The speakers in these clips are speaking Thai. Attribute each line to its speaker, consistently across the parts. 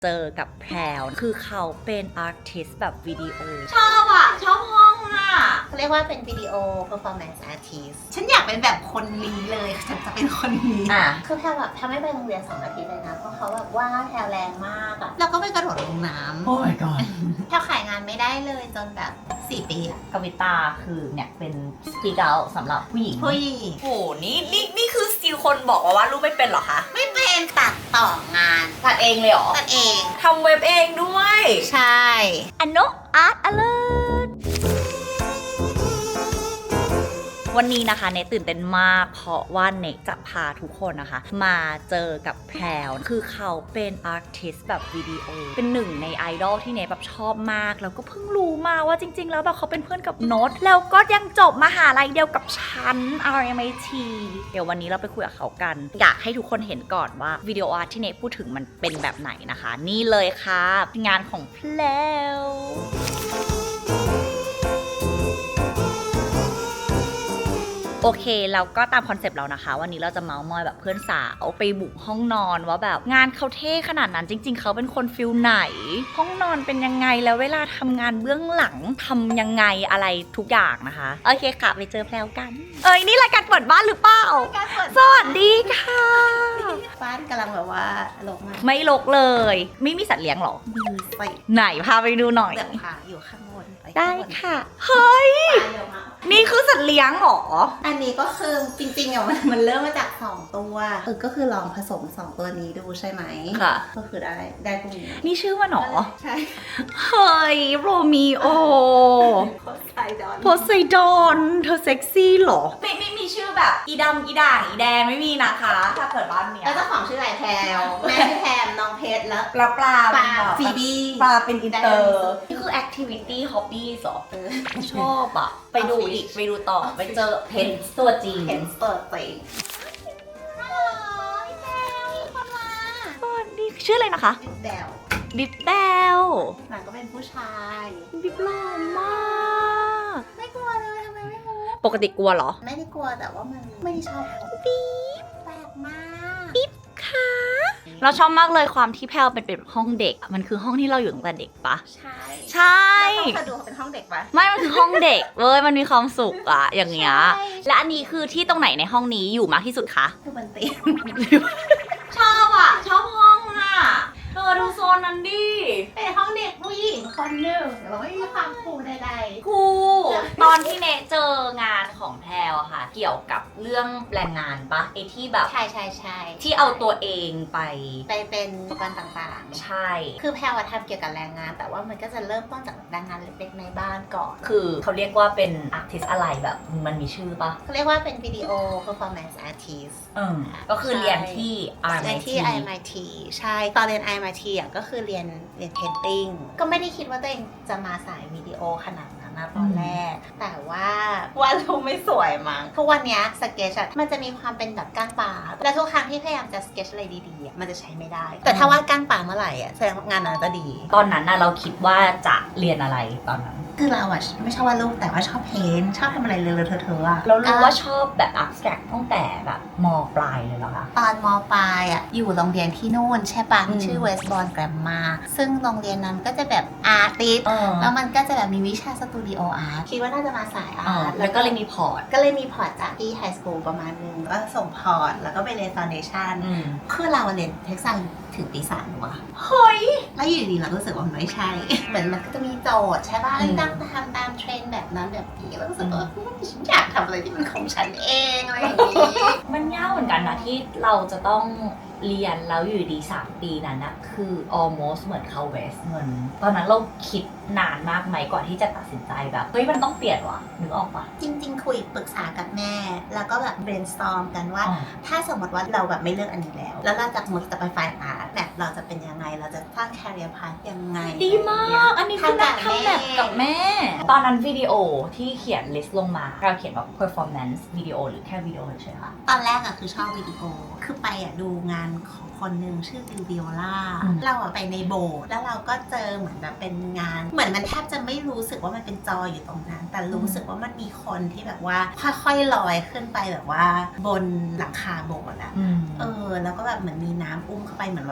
Speaker 1: เจอกับแพรวคือเขาเป็นอาร์ติสต์แบบวิดีโอ
Speaker 2: ชอบอ่ะชอบห้องอ่ะ
Speaker 3: เขาเรียกว่าเป็นวิดีโอ performance artist ฉันอยากเป็นแบบคนนี้เลยฉันจะเป็นคนนี้คือแพลแบบทำให้ไปโรงเรียน2 อาทิตย์เลยนะเพราะเขาแบบว่าแพลแรงมากอะแล้วก็ไปกระโดดลงน้ำ
Speaker 1: โอ้ my god
Speaker 3: แพลขายงานไม่ได้เลยจนแบบ4 ปีอะ
Speaker 1: กวิตาคือเนี่ยเป็นสปีกเอาสำหรับผู้หญิง
Speaker 3: ผู้หญิง
Speaker 2: โอ้โหนี่คือสติลคนบอกว่ารูปไม่เป็นเหรอคะ
Speaker 3: ไม่เป็นตัดต่องาน
Speaker 2: ตัดเองเลยเหรอ
Speaker 3: ตัดเอง
Speaker 2: ทำเว็บเองด้วย
Speaker 3: ใช่
Speaker 1: อันโนอาร์ตอเลิร์วันนี้นะคะเนตื่นเต้นมากเพราะว่าเนจะพาทุกคนนะคะมาเจอกับแพรวคือเขาเป็นอาร์ติสต์แบบวิดีโอเป็นหนึ่งในไอดอลที่เนแบบชอบมากแล้วก็เพิ่งรู้มาว่าจริงๆแล้วแบบเขาเป็นเพื่อนกับโน้ตแล้วก็ยังจบมหาลัยเดียวกับฉัน RMIT เดี๋ยววันนี้เราไปคุยกับเขากันอยากให้ทุกคนเห็นก่อนว่าวิดีโออาร์ตที่เนพูดถึงมันเป็นแบบไหนนะคะ นี่เลยค่ะงานของแพรวโอเคแล้วก็ตามคอนเซปต์เรานะคะวันนี้เราจะเมาส์มอยแบบเพื่อนสาวไปบุกห้องนอนว่าแบบงานเขาเท่ขนาดนั้นจริงๆเขาเป็นคนฟิลไหนห้องนอนเป็นยังไงแล้วเวลาทำงานเบื้องหลังทำยังไงอะไรทุกอย่างนะคะโอเคค่ะไปเจอแพรวกันนี่รายการเปิดบ้านหรือเปล่าสวัสดีค่ะ
Speaker 3: บ้านกำลังแบบว่าลงมา
Speaker 1: ไม่รกเลยไม่มีสัตว์เลี้ยงหรอ
Speaker 3: มีไป
Speaker 1: ไหนพาไปดูหน่อย
Speaker 3: เดี๋ยวค่ะอยู่ข้างบนป
Speaker 1: ได้
Speaker 3: ข้างบน
Speaker 1: ค่ะเฮ้ย
Speaker 3: ไปเดี๋ยวมา
Speaker 1: นี่คือสัตว์เลี้ยงเหรอ
Speaker 3: อันนี้ก็คือจริงๆอ่ะมันเริ่มมาจาก2 ตัวก็คือลองผสม2 ตัวนี้ดูใช่ไหม
Speaker 1: ค่ะ
Speaker 3: ก็คือได้พวกนี้
Speaker 1: นี่ชื่อว่าหนอ
Speaker 3: ใช่
Speaker 1: เฮ้ยโรมิโอ
Speaker 3: โคไซดอน
Speaker 1: โพไซดอนเธอเซ็กซี่เหรอ
Speaker 2: ไม่มีชื่อแบบอีดำอีด่างอีแดงไม่มีนะคะ ถ้าเปิดบ้านเนี้ย
Speaker 3: แล้วเจ้าของชื่ออะไรแพรวแม่ชื่อแพมน้องเพชรแล้ว
Speaker 2: ปลา
Speaker 3: ปลา
Speaker 2: เป็นแบบ
Speaker 3: ฟีบี
Speaker 2: ปลาเป็นอินเตอร์
Speaker 1: นี่คือ activity hobby หรอ
Speaker 3: เออ
Speaker 1: ชอบอะไปดูอีกไปดูต่อไปเจอเพนตัวจริง
Speaker 3: เห็นเปิดไปฮัลโหลพี่แพรวมีคนมา
Speaker 1: สวัสดีชื่ออะไรนะคะ
Speaker 3: แดว
Speaker 1: ดิบแดว
Speaker 3: หลังก็เป็นผู้ชาย
Speaker 1: ดิบหล่อมาก
Speaker 3: ไม่กลัวเลยทำไมไม่รู้
Speaker 1: ปกติกลัวเหรอ
Speaker 3: ไม่ได้กลัวแต่ว่ามันไม่ได้ชอบปี๊บแปลกมาก
Speaker 1: ค่ะเราชอบมากเลยความที่แพลวเป็นห้องเด็กอะมันคือห้องที่เราอยู่ตั้งแต่เด็กปะ
Speaker 3: ใช่
Speaker 1: ใช่
Speaker 3: แล้วต้องมาดูเขาเป็นห้องเด็กปะ
Speaker 1: ไม่มันคือห้องเด็กเว้ยมันมีความสุขอะอย่างเงี้ย
Speaker 3: ใช่
Speaker 1: และอันนี้คือที่ตรงไหนในห้องนี้อยู่มากที่สุดคะ
Speaker 3: คือบนเตียง
Speaker 2: ชอบอ่ะชอบห้องอ่ะเธอดูโซนนั้นดิ
Speaker 3: เป็นห้องเด็กผู้หญิงคนหนึ่งเราไม่มีความคูลใด
Speaker 1: ครูตอนที่เนเจองานของแพลวอะค่ะ เกี่ยวกับเรื่องแรงงานปะไอที่แบบ
Speaker 3: ๆใช่ใช่ใช่
Speaker 1: ที่เอาตัวเองไป
Speaker 3: ไปเป็นอุปกรณ์ต่างๆ
Speaker 1: ใช่
Speaker 3: คือแพรวทำเกี่ยวกับแรงงาน แต่ว่ามันก็จะเริ่มต้นจากแรงงานเล็กๆในบ้านก่อน
Speaker 1: คือเขาเรียกว่าเป็นอาร์ติสอะไรแบบมันมีชื่อปะ
Speaker 3: เขาเรียกว่าเป็นวิดีโอ performance artist
Speaker 1: ก็คือเรียนที่
Speaker 3: เรียน
Speaker 1: RMIT
Speaker 3: ที่ IMIT ใช่ ตอนเรียน IMIT อ่ะก็คือเรียนpainting ก็ไม่ได้คิดว่าตัวเองจะมาสายวิดีโอขนาดนั้นนะตอนแรก แต่ว่ารูปไม่สวยมั้งทุกวันเนี้ยสเกจมันจะมีความเป็นแบบก้างปลาและทุกครั้งที่พยายามจะสเกจอะไรดีๆอะมันจะใช้ไม่ได้ แต่ถ้าวาดก้างปลาเมื่อไหร่อ่ะแสดงว่างานนั้นจะดี
Speaker 1: ตอนนั้นน่ะเราคิดว่าจะเรียนอะไรตอนนั้น
Speaker 3: คือเราอ่ะไม่ชอบวาดรูปแต่ว่าชอบเพ้นท์ชอบทำอะไรเลอะๆเทอะๆอ่ะ
Speaker 1: เรารู้ว่าชอบแบบ abstract ตั้งแต่แบบมปลายเลยเหรอคะ
Speaker 3: ตอนมปลายอ่ะอยู่โรงเรียนที่นู่นใช่ปะ
Speaker 1: อืม
Speaker 3: ชื่อ Westbourne Grammar ซึ่งโรงเรียนนั้นก็จะแบบอาร์ติส แล้วมันก็จะแบบมีวิชาสตูดิโออาร์ตคิดว่าน่าจะมาสายอาร์ต
Speaker 1: แล้วก็เลยมีพอร์ต
Speaker 3: ก็เลยมีพอร์ตจากที่ไฮสคูลประมาณนึงก็ส่งพอร์ต แล้วก็ไปเรียนฟาวเดชั่นคือเราเรียนเทคซัสถึงปี 3ว่ะ
Speaker 1: เฮ้ย
Speaker 3: แล้วอยู่ดีๆเราก็รู้สึกว่ามันไม่ใช่ เหมือนมันก็จะมีโจทย์ใช่ป่ะ
Speaker 1: อืม
Speaker 3: ตั้งทำตามเทรนด์แบบนั้นแบบนี้แล้วก็รู้สึกว่าฉันอยากทำอะไรที่มันของฉันเองอะไรอย่างนี้
Speaker 1: มันยากเหมือนกันนะที่เราจะต้องเรียนแล้วอยู่ดี3 ปีนั้นนะคือ almost เหมือนเข้าเวสเงินตอนนั้นเราคิดนานมากไหมก่อนที่จะตัดสินใจแบบเฮ้ยมันต้องเปลี่ยนว่ะนึกออกปะ
Speaker 3: จริงๆ คุยปรึกษากับแม่ แล้วก็แบบ brainstorm กันว่า ถ้าสมมติว่าเราแบบไม่เลือกอันนี้แล้ว แล้วเราจะมุดจะไปฝ่ายอาร์ตแบบเราจะเป็นยังไง เราจะสร้าง career path ยังไง
Speaker 1: ดีมาก อันนี้คือนักทำแบบกับแม่ ตอนนั้นวิดีโอที่เขียน list ลงมาเราเขียนแบบ performance วิดีโอหรือแค่วิดีโอเฉยๆค่ะ
Speaker 3: ตอนแรกอะคือชอบวิดีโอ คือไปอะดูงานของคนหนึ่งชื่อวิโอล่า เราอะไปในโบสถ์แล้วเราก็เจอเหมือนแบบเป็นงาน เหมือนมันแทบจะไม่รู้สึกว่ามันเป็นจออยู่ตรงนั้น แต่รู้สึกว่ามันมีคนที่แบบว่าค่อยๆลอยขึ้นไปแบบว่าบนหลังคาโบสถ์อะแล้วก็แบบเหมือนมีน้ำอุ้มเข้าไปเหมือนแบบ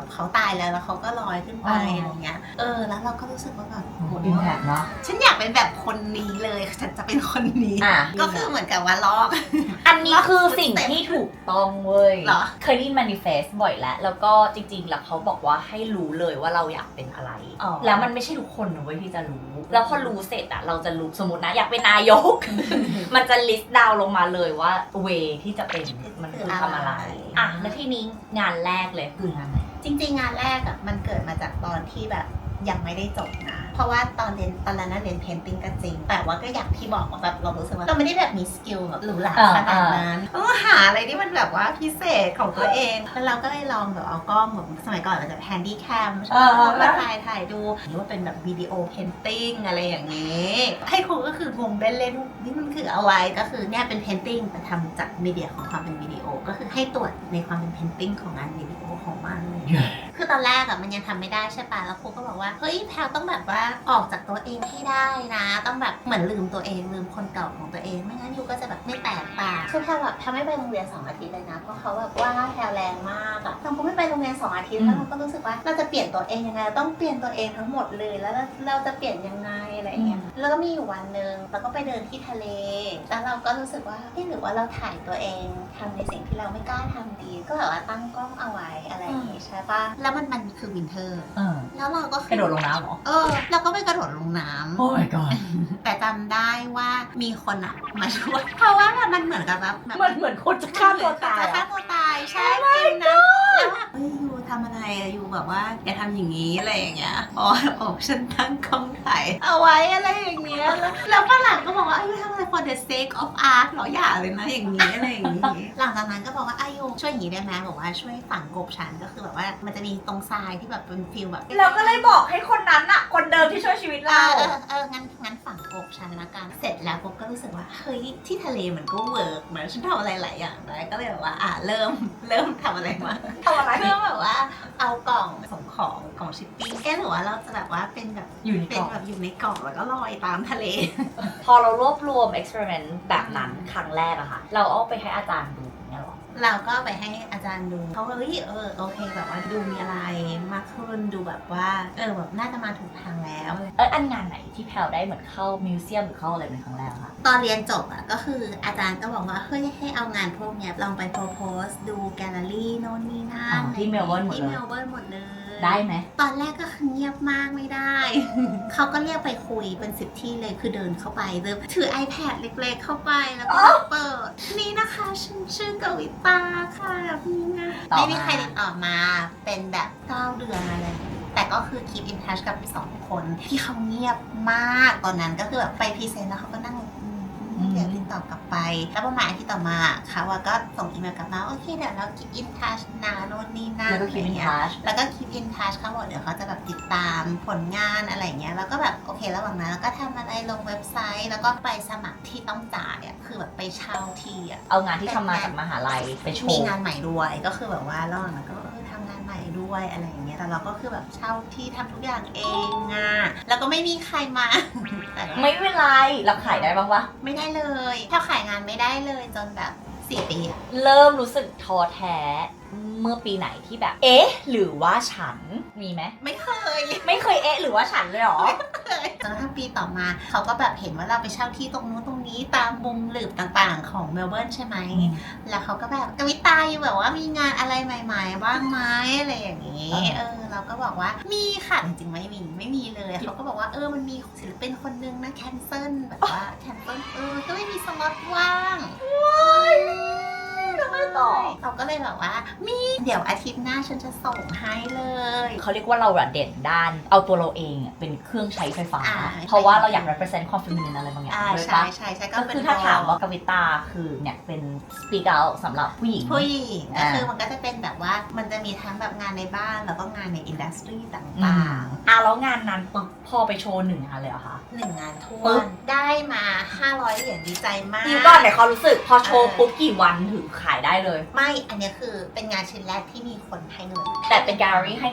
Speaker 3: เขาตายแล้วเขาก็ลอยขึ้นไปอะไรเงี้ยแล้วเราก็รู้สึกว่าแบบ
Speaker 1: อิมแพคเนาะ
Speaker 3: ฉันอยากเป็นแบบคนนี้เลยฉันจะเป็นคนนี้ ก็คือเหมือนกับว่าลอก
Speaker 1: อันนี้คือสิ่งที่ถูกต้องเว้ย
Speaker 3: เหรอ
Speaker 1: เคยได้ยิน manifest บ่อยแล้วก็จริงๆแล้วเขาบอกว่าให้รู้เลยว่าเราอยากเป็นอะไร แล้วมันไม่ใช่ทุกคนนะเว้ยที่จะรู้ แล้วพอรู้เสร็จอะเราจะรู้สมมตินะอยากเป็นนายก มันจะ list down ลงมาเลยว่า way ที่จะเป็นมันคือทำอะไรแล้วทีนี้งานแรกเลยคืองานไหน
Speaker 3: จริงๆงานแรกอะมันเกิดมาจากตอนที่แบบยังไม่ได้จบนะ เพราะว่าตอนนั้นเรียนเพนติ้งก็จริง แต่ว่าก็อย่างที่บอกว่าแบบเรารู้สึกว่าเราไม่ได้แบบมีสกิลแบบหรูหราขนาดนั้นต้องหาอะไรที่มันแบบว่าพิเศษของตัวเองแล้วเราก็เลยลองแบบเอากล้องแบบสมัยก่อนเราจะแฮนดี้แคมใช่ไหมมาถ่ายดูหรือว่าเป็นแบบวิดีโอเพนติ้งอะไรอย่างนี้ให้ครูก็คืองงเล่นๆนี่มันคืออะไรก็คือเนี่ยเป็นเพนติ้งแต่ทำจากมีเดียของความเป็นวิดีโอก็คือให้ตรวจในความเป็นเพนติ้งของงานวิดีโอของมันเลย คือตอนแรกอะมันยังทำไม่ได้ใช่ปะแล้วครูก็บอกว่าเฮ้ยแพลต้องแบบว่าออกจากตัวเองให้ได้นะต้องแบบเหมือนลืมตัวเองลืมคนเก่าของตัวเองไม่งั้นยูก็จะแบบไม่แตกต่างคือแพลแบบแพลไม่ไปโรงเรียน2 อาทิตย์เลยนะเพราะเขาแบบว่าแพลแรงมากอะเราก็ไม่ไปโรงเรียน2 อาทิตย์แล้วเราก็รู้สึกว่าเราจะเปลี่ยนตัวเองยังไงเราต้องเปลี่ยนตัวเองทั้งหมดเลยแล้วเราจะเปลี่ยนยังไงอะไรเงี้ยแล้วก็มีอยู่วันนึงเราก็ไปเดินที่ทะเลแล้วเราก็รู้สึกว่าเฮ้ยหรือว่าเราถ่ายตัวเองทำในสิ่งที่เราไม่กล้าทำดีก็แบบว่าตั้งกล้องเอาไว้อะไรอย่างงี้ใช่ปะแล้วมันคือวินเทอร์แล้วเราก็
Speaker 1: กระโดดลงน้ำเหรอ
Speaker 3: เราก็ไปกระโดดลงน้ำ
Speaker 1: โอ้ my god
Speaker 3: แต่จำได้ว่ามีคนอะมาช่วยเพราะว่ามันเหมือนกับแบบ
Speaker 1: เหมือนคนจะฆ่าตัวตาย
Speaker 3: จะฆ่าตัวตายใช่จริงนะแล้วแบบยูทำอะไรอะยูแบบว่าอย่าทำอย่างนี้อะไรอย่างเงี้ยบอกฉันตั้งกล้องถ่ายเอาไว้อะไรอย่างเงี้ยแล้วฝรั่งก็บอกว่ายูทำอะไร for the sake of art หรออย่าเลยนะอย่างนี้อะไรอย่างงี้หลังจากนั้นก็บอกว่ายูช่วยอย่างนี้ได้ไหมบอกว่าช่วยฝังกบฉันก็คือแบบว่ามันจะมีตรงทรายที่แบบเป็นฟิลแบบ
Speaker 1: เราก็เลยบอกให้คนนั้นอะคนเดิมที่ช่วยชีวิตเรา
Speaker 3: งั้นฝังกบฉันละกันเสร็จแล้วกบก็รู้สึกว่าเฮ้ยที่ทะเลมันก็เวิร์กเหมือนฉันทำอะไรหลายอย่างได้ก็เลยแบบว่าเริ่มทำอะไรมา
Speaker 1: ทำอะไร
Speaker 3: เริ่มแบบว่าเอากล่องส่งของชิปปิ้งหรือว่าเราจะแบบว่าเป็นแบบ
Speaker 1: อยู่ในก
Speaker 3: เป็
Speaker 1: ล่
Speaker 3: น
Speaker 1: อง
Speaker 3: แบบอยู่ในกล่องแล้วก็ลอยตามทะเล
Speaker 1: พอเรารวบรวม experiment แบบนั้นครั้งแรกอะค่ะ เราเอาไปให้อาจารย์ดูอย่างเงี้ยหรอ
Speaker 3: เราก็ไปให้อาจารย์ดูเขาก็เฮ้ยโอเคแบบว่าดูมีอะไรมากขึ้นดูแบบว่าแบบน่าจะมาถูกทางแล้ว
Speaker 1: อันงานไหนที่แพลได้เหมือนเข้ามิวเซียมหรือเข้าอะไรเป็นครั้งแรกคะ
Speaker 3: ตอนเรียนจบก็คืออาจารย์ก็บอกว่าเฮ้ยให้เอางานพวกเนี้ยลองไปโพสดูแกลเลอรี่โน่นนี่นั่น
Speaker 1: ที่เมลเบิร์นหมด
Speaker 3: ที่
Speaker 1: เล
Speaker 3: เม
Speaker 1: ย
Speaker 3: ลเบิร์นหมดเลย
Speaker 1: ได้ไหม
Speaker 3: ตอนแรกก็คือเงียบมากไม่ได้ เขาก็เรียกไปคุยเป็น10 ที่เลยคือเดินเข้าไปเลยถือ iPad เล็กๆเข้าไปแล้วก็เปิดนี่นะคะชื่อกวิตาค่ะนี่นะ
Speaker 1: ต่อมา
Speaker 3: ไม่มีใครติดต่อมาเป็นแบบ9 เดือนอะไรแต่ก็คือ keep in touch กับ2 คนที่เขาเงียบมากตอนนั้นก็คือแบบไปพรีเซนต์แล้วเขาก็นั่งเดี๋ยวติดต่อกลับไปแล้วประมาณอาทิตย์ต่อมาเขาก็ส่งอีเมลกลับมาโอเคเดี๋ยวเรา keep in touch นะโน่นนี่นั่น
Speaker 1: แล้วก็คิดเป็น
Speaker 3: อะไรเงี้ย
Speaker 1: ทัช
Speaker 3: แล้วก็ keep in touch เขาบอกเดี๋ยวเขาจะแบบติดตามผลงานอะไรเงี้ยแล้วก็แบบโอเคระหว่างนั้นแล้วก็ทำอะไรลงเว็บไซต์ แล้วก็ไปสมัครที่ต้องจ่ายคือแบบไปเช่าที่
Speaker 1: เอางานที่ทำมาจากมหาลัยไปโช
Speaker 3: มี
Speaker 1: ว์
Speaker 3: งานใหม่ด้วยก็คือแบบว่าระหว่างนั้นก็ทำงานใหม่ด้วยอะไรอย่างเงี้ยแต่เราก็คือแบบเช่าที่ทำทุกอย่างเองแล้วก็ไม่มีใครมา แต่ว่า
Speaker 1: ไม่เป็นไรเราขายได้บ้างวะ
Speaker 3: ไม่ได้เลยถ้าขายงานไม่ได้เลยจนแบบ4 ปี
Speaker 1: เริ่มรู้สึกท้อแท้เมื่อปีไหนที่แบบ เอ๊ะ หรือว่าฉันมีไหม
Speaker 3: ไม่เคย
Speaker 1: ไม่เคยเอ๊ะ หรือว่าฉันเลยเหรอ
Speaker 3: จนกระทั่งปีต่อมาเขาก็แบบเห็นว่าเราไปเช่าที่ตรงนู้นตรงนี้ตามมุมหลืบต่างๆของเมลเบิร์นใช่ไหม แล้วเขาก็แบบกวิตาอยู่แบบว่ามีงานอะไรใหม่ๆบ้างไหมอะไรอย่างนี้เราก็บอกว่ามีค่ะจริงๆไม่มีเลยเขาก็บอกว่ามันมีศิลปินคนนึงนะแคนเซิลแบบว่าแคนเซิลก็ไม่มีสล็อตว่างเราก็เลยแบบว่ามีเดี๋ยวอาทิตย์หน้าฉันจะส่งให้เลย
Speaker 1: เขาเรียกว่าเราเด่นด้านเอาตัวเราเองเป็นเครื่องใช้ไฟฟ้า
Speaker 3: อ่า
Speaker 1: เพราะว่าเราอยาก represent ความ feminine อะไรบางอย่างด้วย
Speaker 3: ใช่
Speaker 1: ปะ
Speaker 3: ใช่
Speaker 1: ก็คือถ้าถามว่ากวิตาคือเนี่ยเป็น speak out สำหรับผู้หญิง
Speaker 3: ผู้หญิงก็คือมันก็จะเป็นแบบว่ามันจะมีทั้งแบบงานในบ้านแล้วก็งานในอินดัสทรีต่างๆ
Speaker 1: แล้วงานนั้นปุ๊บพอไปโชว์1 งานเลยเหรอคะ
Speaker 3: 1 งานทั่ว
Speaker 1: ปึ๊บ
Speaker 3: ได้มา500 เหรียญดีใจมาก
Speaker 1: ดีก่อนแต่เขารู้สึกพอโชว์ปุ๊บกี่วันถึงขายได้เลย
Speaker 3: ไม่อันนี้คือเป็นงานชิ้นแรกที่มีคนให้เงิน
Speaker 1: แต่เป็นแกลเลอรี่ให้เงินหรือ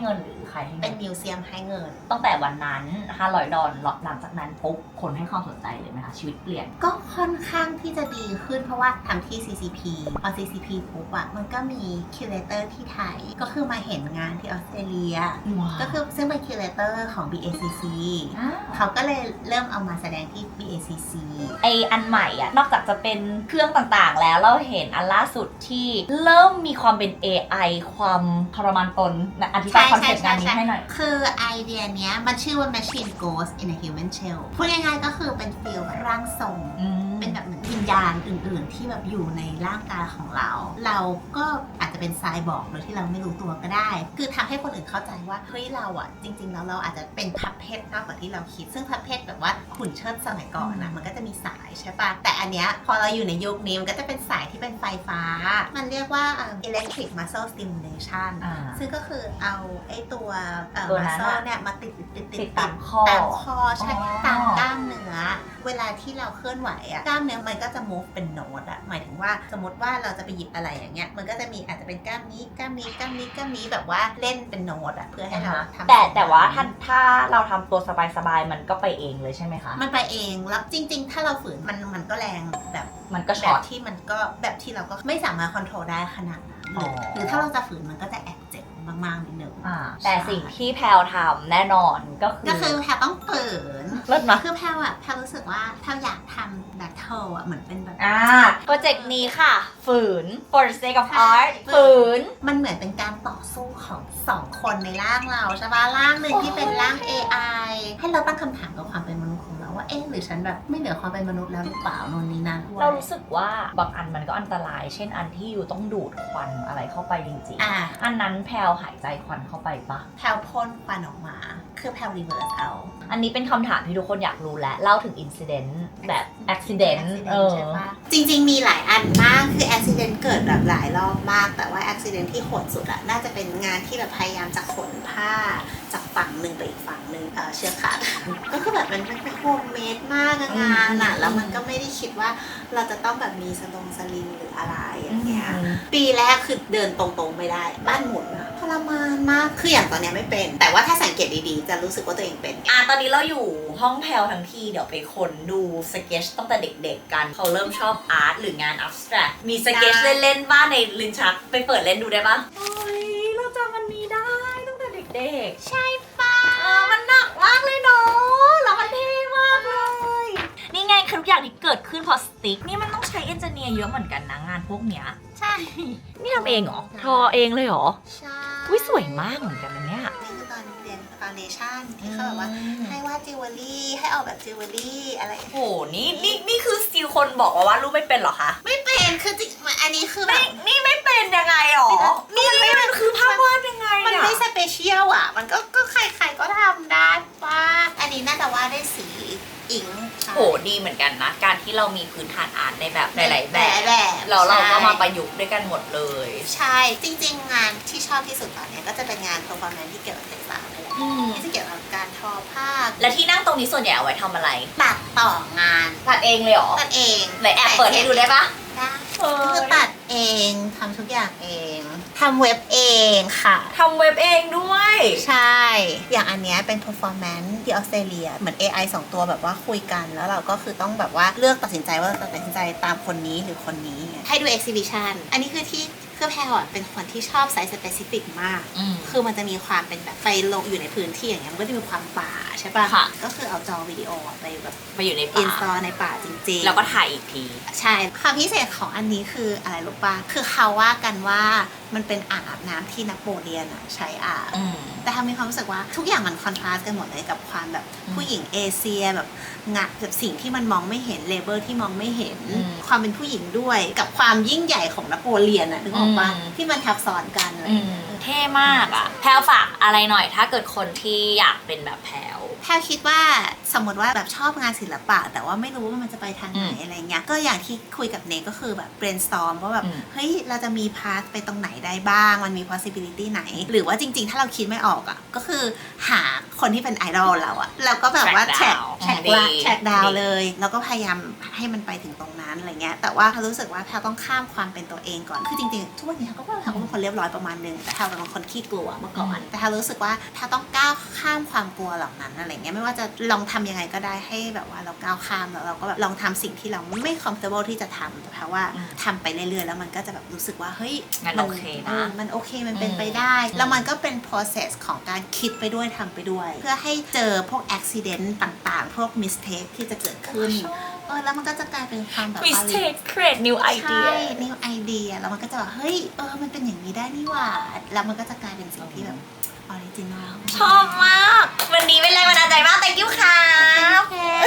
Speaker 1: ใครให้
Speaker 3: เป็
Speaker 1: เงิ
Speaker 3: น
Speaker 1: น
Speaker 3: มิวเซียมให้เงิน
Speaker 1: ตั้งแต่วันนั้น$500หลังจากนั้นปุ๊บคนให้ความสนใจเลยไหมคะชีวิตเปลี่ยน
Speaker 3: ก็ค่อนข้างที่จะดีขึ้นเพราะว่าทำที่ CCP พอ CCP ปุ๊บอะมันก็มีคิวเรเตอร์ที่ไทยก็คือมาเห็นงานที่ออสเตรเลีย ก็คือซึ่งเป็นคิวเรเตอร์ของ BACC เขาก็เลยเริ่มเอามาแสดงที่ BACC
Speaker 1: ไออันใหม่อ่ะนอกจากจะเป็นเครื่องต่างๆแล้วเราเห็นอันล่าสุดที่เริ่มมีความเป็น AI ความทรมานตนนะอธิบายคอนเซ็ปต์งานนี้ให้หน่อย
Speaker 3: คือไอเดียเนี้ยมันชื่อว่า Machine Ghost in a Human Shell พูดง่ายๆก็คือเป็นฟีลร่างทรง เป็นแบบเหมือนวิญญาณอื่นๆ ที่แบบอยู่ในร่างกายของเรา เราก็อาจจะเป็นไซบอร์กโดยที่เราไม่รู้ตัวก็ได้ คือทำให้คนอื่นเข้าใจว่าเฮ้ยเราอ่ะจริงๆแล้วเราอาจจะเป็นพับเพชรมากกว่าที่เราคิด ซึ่งพับเพชรแบบว่าหุ่นเชิดสมัยก่อนนะมันก็จะมีสายใช่ปะแต่อันเนี้ยพอเราอยู่ในยุคนี้มันก็จะเป็นสายที่เป็นไฟฟ้า มันเรียกว่า electric muscle stimulation ซึ่งก็คือเอาไอ้ตัว muscle เนี่ยมาติด
Speaker 1: ติดตามคอ
Speaker 3: ตามคอใช่ตามกล้ามเนื้อเวลาที่เราเคลื่อนไหวอะกล้ามเนื้อมันก็จะ move เป็นโน้ตอะหมายถึงว่าสมมติว่าเราจะไปหยิบอะไรอย่างเงี้ยมันก็จะมีอาจจะเป็นกล้ามนี้กล้ามนี้กล้ามนี้กล้ามนี้แบบว่าเล่นเป็นโน้ตอะเพื่อให้เราทำ
Speaker 1: แต่ว่าถ้าเราทำตัวสบายๆมันก็ไปเองเลยใช่ไหมคะ
Speaker 3: มันไปเองแล้วจริงๆถ้าเราฝืนมันก็แรงแบบ
Speaker 1: มันก็ช็
Speaker 3: แบ
Speaker 1: อต
Speaker 3: บที่มันก็แบบที่เราก็ไม่สามารถควบคุมได้ขนาดนั้นหรือถ้าเราจะฝืนมันก็จะแอบเจ็บมากๆนิดนึง
Speaker 1: แต่สิ่งที่แพลวทำแน่นอนก็คือ
Speaker 3: แพลวต้องฝืน
Speaker 1: เลิศนะ
Speaker 3: คือแพลวรู้สึกว่าแพลวอยากทำแบบเธอเหมือนเป็นแบบ
Speaker 1: โปรเจกต์นี้ค่ะฝืน for the sake of art ฝืน
Speaker 3: มันเหมือนเป็นการต่อสู้ของสองคนในร่างเราใช่ปะร่างหนึ่งที่เป็นร่าง AI ให้เราตั้งคำถามกับความเป็นมนุษย์ของเราว่าหรือฉันแบบไม่เหนือความเป็นมนุษย์แล้วหรือเปล่าโน่นนี่นั่น
Speaker 1: เรารู้สึกว่าบางอันมันก็อันตรายเช่นอันที่อยู่ต้องดูดควันอะไรเข้าไปจริงๆอันนั้นแพลวหายใจควันเข้าไปปะ
Speaker 3: แพลวพ่นควันออกมาคือแพลวรีเวิร์สเอา
Speaker 1: อันนี้เป็นคำถามที่ทุกคนอยากรู้และเล่าถึงอินซิเดนต์แบบอุบิเหตุ
Speaker 3: ใช่ปะจริงๆมีหลายอันมากคืออุบิเหตุเกิดแบบหลายรอบมากแต่ว่าอุบิเหตุที่โหดสุดน่าจะเป็นงานที่แบบพยายามจะขนผ้าจากฝั่งหนึ่งไปอีกฝั่งหนึ่งเชือกขาดก็คือแบบมันเป็นโฮมเมดมากงานแล้วมันก็ไม่ได้คิดว่าเราจะต้องแบบมีสลิงหรืออะไรอย่างเงี้ยปีแรกคือเดินตรงๆไม่ได้บ้านหมุนทรมานมากคืออย่างตอนนี้ไม่เป็นแต่ว่าถ้าสังเกตดีๆจะรู้สึกว่าตัวเองเป็น
Speaker 1: ตอนนี้เราอยู่ห้องแพลวทั้งทีเดี๋ยวไปค้นดูสเก็ตตั้งแต่เด็กๆกันเขาเริ่มชอบอาร์ตหรืองานอับสแตรกมีสเก็ตเล่นๆบ้านในลิ้นชักไปเปิดเล่นดูได้ปะโอ้ยเราจำมันนี้ได้ตั้งแต่เด็ก
Speaker 3: ๆใช่ปะ
Speaker 1: มันหนักมากเลยเนาะแล้วมันเท่มากเลยนี่ไงคือทุกอย่างที่เกิดขึ้นพอสติ๊กนี่มันต้องใช้เอนจิเนียร์เยอะเหมือนกันนะงานพวกเนี้ย
Speaker 3: ใช่
Speaker 1: นี่ทำเองเหรอทอเองเลยเหรอ
Speaker 3: ใช่
Speaker 1: อุ้ยสวยมากเหมือนกันนะเนี่ย
Speaker 3: นี่คือตอนเรียนฟาวเดชั่นที่เขาแบบว่าให้วาดจิวเวลรี่ให้ออกแบบจิวเวลรี่อะไร
Speaker 1: โอ้นี่คือสติลคนบอกว่ารูปไม่เป็นเหรอคะ
Speaker 3: ไม่เป็นคือจริงอันนี้คือแบบ
Speaker 1: นี่ไม่เป็นยังไงหรอนี่มันคือภาพวาดยังไง
Speaker 3: มันไม่สเปเชียลมันก็ใครๆก็ทำได้ป่ะอันนี้น่าจะวาดได้สีอิง
Speaker 1: โหดีเหมือนกันนะการที่เรามีพื้นฐานอาร์ตในแบบหลายๆแบบเราก็มาประยุกต์ด้วยกันหมดเลย
Speaker 3: ใช่จริงๆงานที่ชอบที่สุดตอนนี้ก็จะเป็นงานเพอร์ฟอร์แมนซ์ที่เกี่ยวกับเทคนิคที่จะเกี่ยวกับการทอผ้า
Speaker 1: และที่นั่งตรงนี้ส่วนใหญ่เอาไว้ทำอะไร
Speaker 3: ตัดต่องาน
Speaker 1: ตัดเองเลยเหรอ
Speaker 3: ตัดเอง
Speaker 1: ไหนแอบเปิดให้ดูได้ปะ
Speaker 3: ได้คือตัดเองทำทุกอย่างเองทำเว็บเองค่ะ
Speaker 1: ทำเว็บเองด้วย
Speaker 3: ใช่อย่างอันนี้เป็น performance ที่ออสเตรเลียเหมือน AI 2 ตัวแบบว่าคุยกันแล้วเราก็คือต้องแบบว่าเลือกตัดสินใจว่าจะตัดสินใจตามคนนี้หรือคนนี้ให้ดู exhibition อันนี้คือที่คือแพลเป็นคนที่ชอบไซส์ specific มากคือมันจะมีความเป็นแบบไปลงอยู่ในพื้นที่อย่างเงี้ยมันก็จะมีความป่าใช่ป่ะก็คือเอาจอวิดีโอไปแบบ
Speaker 1: ไปอยู่ใน
Speaker 3: ป่า install ในป่าจริงๆ
Speaker 1: แล้วก็ถ่ายอีกที
Speaker 3: ใช่ความพิเศษของอันนี้คืออะไรรู้ป่ะคือเขาว่ากันว่ามันเป็นอ่างอาบน้ำที่นโปเลียนใช้อาบแต่ทำมีความรู้สึกว่าทุกอย่างมันคอนทราสต์กันหมดเลยกับความแบบผู้หญิงเอเชียแบบงะแบบสิ่งที่มันมองไม่เห็นเลเบอร์ที่มองไม่เห็นความเป็นผู้หญิงด้วยกับความยิ่งใหญ่ของนโปเลียนนึกออกป่ะที่มันทับซ้อนกันอะไร
Speaker 1: เท่มากแพลฝากอะไรหน่อยถ้าเกิดคนที่อยากเป็นแบบแพล
Speaker 3: คิดว่าสมมติว่าแบบชอบงานศิลปะแต่ว่าไม่รู้ว่ามันจะไปทางไหนอะไรเงี้ยก็อย่างที่คุยกับเนก็คือแบบ brainstorm ว่าแบบเฮ้ยเราจะมีพาสไปตรงไหนได้บ้างมันมี possibility ไหนหรือว่าจริงๆถ้าเราคิดไม่ออกก็คือหาคนที่เป็นไอดอลเราแล้วก็แบบว่าแแทร็กดาวเลยแล้วก็พยายามให้มันไปถึงตรงนั้นอะไรเงี้ยแต่ว่ารู้สึกว่าแพลต้องข้ามความเป็นตัวเองก่อนคือจริงๆทุกวันนี้ก็ว่าแพลก็เป็นคนเรียบร้อยประมาณนึงแต่แพลเป็นคนขี้กลัวเมื่อก่อนแต่แพลรู้สึกว่าแพลต้องก้าวข้ามความกลัวเหล่านั้นอะไรเงี้ยไม่ว่าจะลองทำยังไงก็ได้ให้แบบว่าเราก้าวข้ามแล้วเราก็แบบลองทำสิ่งที่เราไม่ comfortable ที่จะทำแต่แพลว่าทำไปเรื่อยๆแล้วมันก็จะแบบรู้สึกว่าเฮ้ย
Speaker 2: มันโอเคนะ
Speaker 3: มันโอเคมันเป็นไปได้แล้วมันก็เป็น process ของการคิดไปด้วยทำไปด้วยเพื่อให้เจอพวก accident ต่างๆพวก mistake ที่จะเกิดขึ้นแล้วมันก็จะกลายเป็นความแบบ
Speaker 2: mistake create new
Speaker 3: ใช่
Speaker 2: idea
Speaker 3: new idea แล้วมันก็จะแบบเฮ้ยมันเป็นอย่างนี้ได้นี่หว่าแล้วมันก็จะกลายเป็นสิ่งที่แบบ original
Speaker 2: ชอบมาก วันนี้เป็นแรงบันดาลใจมาก thank you ค่ะ